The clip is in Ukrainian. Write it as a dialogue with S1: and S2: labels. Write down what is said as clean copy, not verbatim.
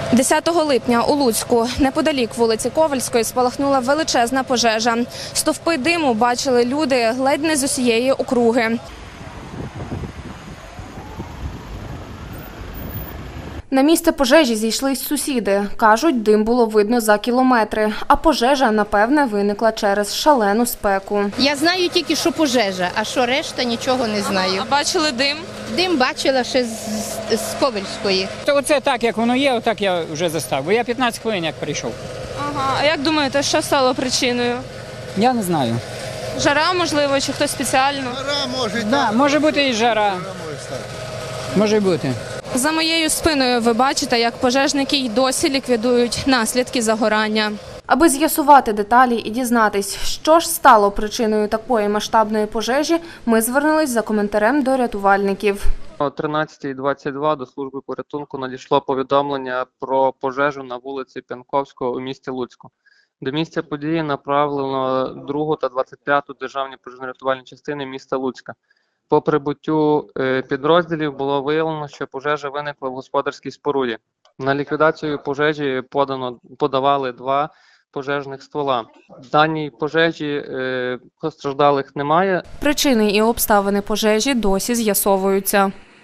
S1: 10 липня у Луцьку, неподалік вулиці Ковальської, спалахнула величезна пожежа. Стовпи диму бачили люди ледь не з усієї округи. На місце пожежі зійшлись сусіди. Кажуть, дим було видно за кілометри, а пожежа, напевне, виникла через шалену спеку.
S2: Я знаю тільки, що пожежа, а що решта, нічого не знаю.
S1: А бачили дим?
S2: Дим бачила ще з Ковельської.
S3: То оце так, як воно є, отак я вже застав. Бо я 15 хвилин як прийшов.
S1: Ага. А як думаєте, що стало причиною?
S3: Я не знаю.
S1: Жара, можливо, чи хтось спеціально?
S3: Да, може бути і жара. Може бути.
S1: За моєю спиною ви бачите, як пожежники й досі ліквідують наслідки загорання. Аби з'ясувати деталі і дізнатись, що ж стало причиною такої масштабної пожежі, ми звернулись за коментарем до рятувальників.
S4: О 13:22 до служби порятунку надійшло повідомлення про пожежу на вулиці П'янковського у місті Луцьку. До місця події направлено 2-ту та 25-ту державні пожежно-рятувальні частини міста Луцька. По прибуттю підрозділів було виявлено, що пожежа виникла в господарській споруді. На ліквідацію пожежі подавали 2 пожежних ствола. В даній пожежі постраждалих немає.
S1: Причини і обставини пожежі досі з'ясовуються.